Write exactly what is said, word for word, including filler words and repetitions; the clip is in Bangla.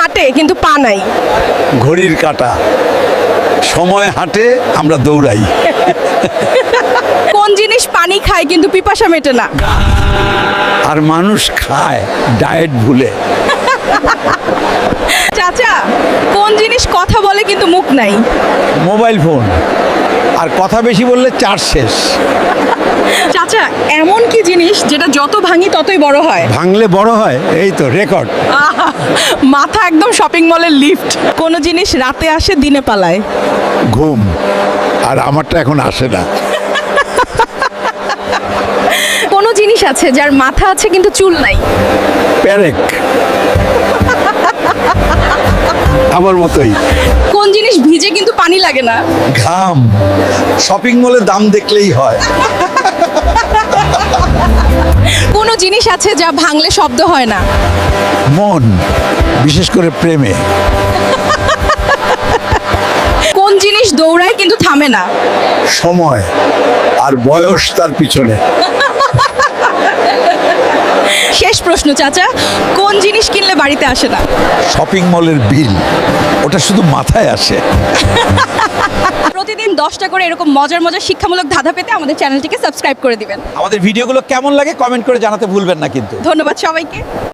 হাঁটে কিন্তু পা নাই? ঘড়ির কাঁটা। সময় হাঁটে, আমরা দৌড়াই। কোন জিনিস পানি খায় কিন্তু পিপাসা মেটে না? আর মানুষ খায় ডায়েট ভুলে। চাচা, কোন জিনিস কথা বলে কিন্তু মুখ নাই? Mobile phone. আর কথা বেশি বললে চার্জ শেষ। চাচা, এমন কি জিনিস যেটা যত ভাঙি ততই বড় হয়? ভাঙলে বড় হয়, এই তো রেকর্ড। আহা, মাথা একদম শপিং মলের লিফট। কোন জিনিস রাতে আসে দিনে পালায়? ঘুম। আর আমারটা এখন আসে না। কোন জিনিস আছে যার মাথা আছে কিন্তু চুল নাই? প্যারেক। আমার মতোই। কোন জিনিস ভিজে কিন্তু পানি লাগে না? ঘাম। শপিং মলে দাম দেখলেই হয়। কোন জিনিস আছে যা ভাঙলে শব্দ হয় না? মন, বিশেষ করে প্রেমে। কোন জিনিস দৌড়ায় কিন্তু থামে না? সময়। আর বয়স তার পিছনে। শেষ প্রশ্ন চাচা, কোন জিনিস কিনলে বাড়িতে আসে না? শপিং মলের বিল। ওটা শুধু মাথায় আসে। প্রতিদিন দশটা করে এরকম মজার মজার শিক্ষামূলক ধাঁধা পেতে আমাদের চ্যানেলটিকে সাবস্ক্রাইব করে দিবেন। আমাদের ভিডিওগুলো কেমন লাগে কমেন্ট করে জানাতে ভুলবেন না কিন্তু। ধন্যবাদ সবাইকে।